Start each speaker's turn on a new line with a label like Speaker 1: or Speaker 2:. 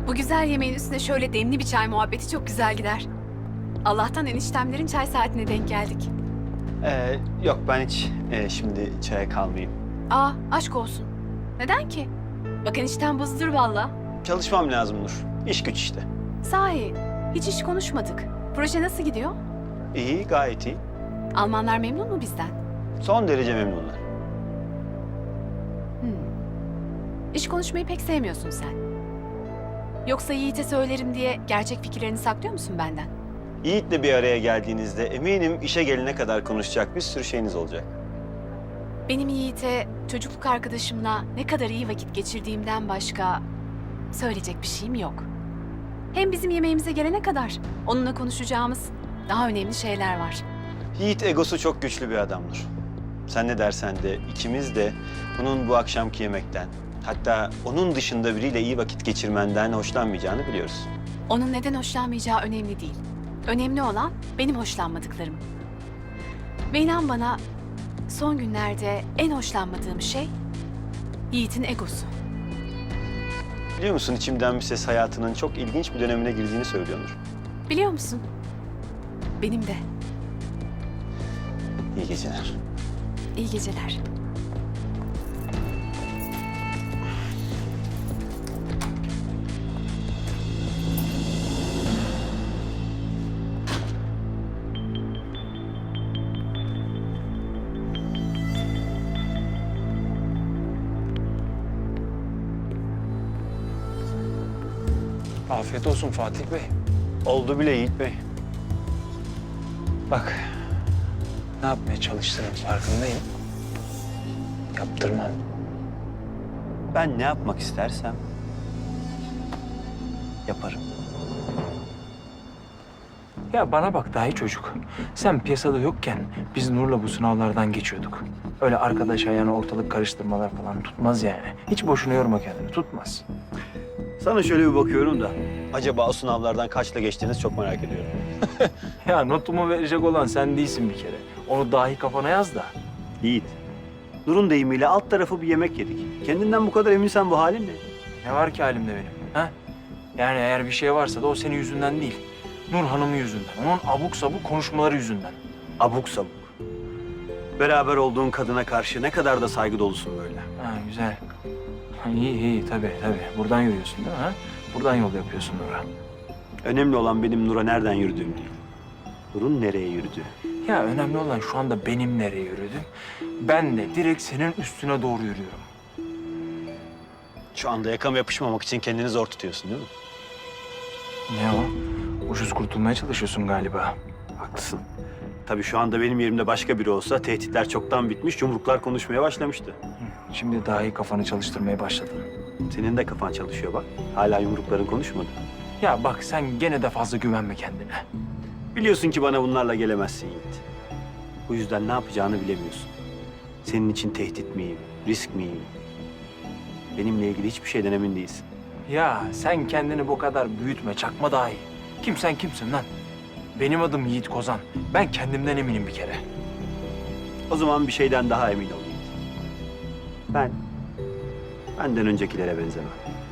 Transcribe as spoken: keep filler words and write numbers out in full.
Speaker 1: Bu güzel yemeğin üstüne şöyle demli bir çay muhabbeti çok güzel gider. Allah'tan eniştemlerin çay saatine denk geldik.
Speaker 2: Ee, yok ben hiç e, şimdi çaya kalmayayım.
Speaker 1: Aa, aşk olsun. Neden ki? Bak eniştem buzdur valla.
Speaker 2: Çalışmam lazım Nur. İş güç işte.
Speaker 1: Sahi, hiç iş konuşmadık. Proje nasıl gidiyor?
Speaker 2: İyi, gayet iyi.
Speaker 1: Almanlar memnun mu bizden?
Speaker 2: Son derece memnunlar.
Speaker 1: Hmm. İş konuşmayı pek sevmiyorsun sen. Yoksa Yiğit'e söylerim diye gerçek fikirlerini saklıyor musun benden?
Speaker 2: Yiğit'le bir araya geldiğinizde eminim işe gelene kadar konuşacak bir sürü şeyiniz olacak.
Speaker 1: Benim Yiğit'e çocukluk arkadaşımla ne kadar iyi vakit geçirdiğimden başka söyleyecek bir şeyim yok. Hem bizim yemeğimize gelene kadar onunla konuşacağımız daha önemli şeyler var.
Speaker 2: Yiğit egosu çok güçlü bir adamdır. Sen ne dersen de ikimiz de onun bu akşamki yemekten, hatta onun dışında biriyle iyi vakit geçirmenden hoşlanmayacağını biliyoruz.
Speaker 1: Onun neden hoşlanmayacağı önemli değil. Önemli olan benim hoşlanmadıklarım. Ve inan bana son günlerde en hoşlanmadığım şey Yiğit'in egosu.
Speaker 2: Biliyor musun içimden bir ses hayatının çok ilginç bir dönemine girdiğini söylüyor Nur.
Speaker 1: Biliyor musun? Benim de.
Speaker 2: İyi geceler.
Speaker 1: İyi geceler.
Speaker 3: Afiyet olsun Fatih Bey.
Speaker 2: Oldu bile Yiğit Bey.
Speaker 3: Bak, ne yapmaya çalıştığının farkındayım. Yaptırmam.
Speaker 2: Ben ne yapmak istersem yaparım.
Speaker 3: Ya bana bak dahi çocuk. Sen piyasada yokken biz Nur'la bu sınavlardan geçiyorduk. Öyle arkadaş ayağına ortalık karıştırmalar falan tutmaz yani. Hiç boşuna yorma kendini, tutmaz.
Speaker 2: Sana şöyle bir bakıyorum da acaba o sınavlardan kaçla geçtiğinizi çok merak ediyorum.
Speaker 3: Ya notumu verecek olan sen değilsin bir kere. Onu dahi kafana yaz da.
Speaker 2: Yiğit, Nur'un deyimiyle alt tarafı bir yemek yedik. Kendinden bu kadar eminsen bu halin ne?
Speaker 3: Ne var ki halimde benim? Ha? Yani eğer bir şey varsa da o senin yüzünden değil. Nur Hanım'ın yüzünden. Onun abuk sabuk konuşmaları yüzünden.
Speaker 2: Abuk sabuk. Beraber olduğun kadına karşı ne kadar da saygı dolusun böyle.
Speaker 3: Ha güzel. Ha, iyi iyi tabii tabii. Buradan yürüyorsun değil mi? Ha? Buradan yol yapıyorsun Nur'a.
Speaker 2: Önemli olan benim Nur'a nereden yürüdüğüm değil. Nur'un nereye yürüdüğü.
Speaker 3: Ya önemli olan şu anda benim nereye yürüdüm. Ben de direkt senin üstüne doğru yürüyorum.
Speaker 2: Şu anda yakama yapışmamak için kendini zor tutuyorsun değil mi?
Speaker 3: Ne o? Ucuz kurtulmaya çalışıyorsun galiba.
Speaker 2: Haklısın. Tabii şu anda benim yerimde başka biri olsa tehditler çoktan bitmiş, yumruklar konuşmaya başlamıştı.
Speaker 3: Şimdi daha iyi kafanı çalıştırmaya başladın.
Speaker 2: Senin de kafan çalışıyor bak. Hala yumrukların konuşmadı.
Speaker 3: Ya bak sen gene de fazla güvenme kendine.
Speaker 2: Biliyorsun ki bana bunlarla gelemezsin Yiğit. Bu yüzden ne yapacağını bilemiyorsun. Senin için tehdit miyim, risk miyim? Benimle ilgili hiçbir şeyden emin değilsin.
Speaker 3: Ya sen kendini bu kadar büyütme, çakma daha iyi. Kim sen kimsin lan? Benim adım Yiğit Kozan. Ben kendimden eminim bir kere.
Speaker 2: O zaman bir şeyden daha emin ol Yiğit. Ben, benden öncekilere benzemem.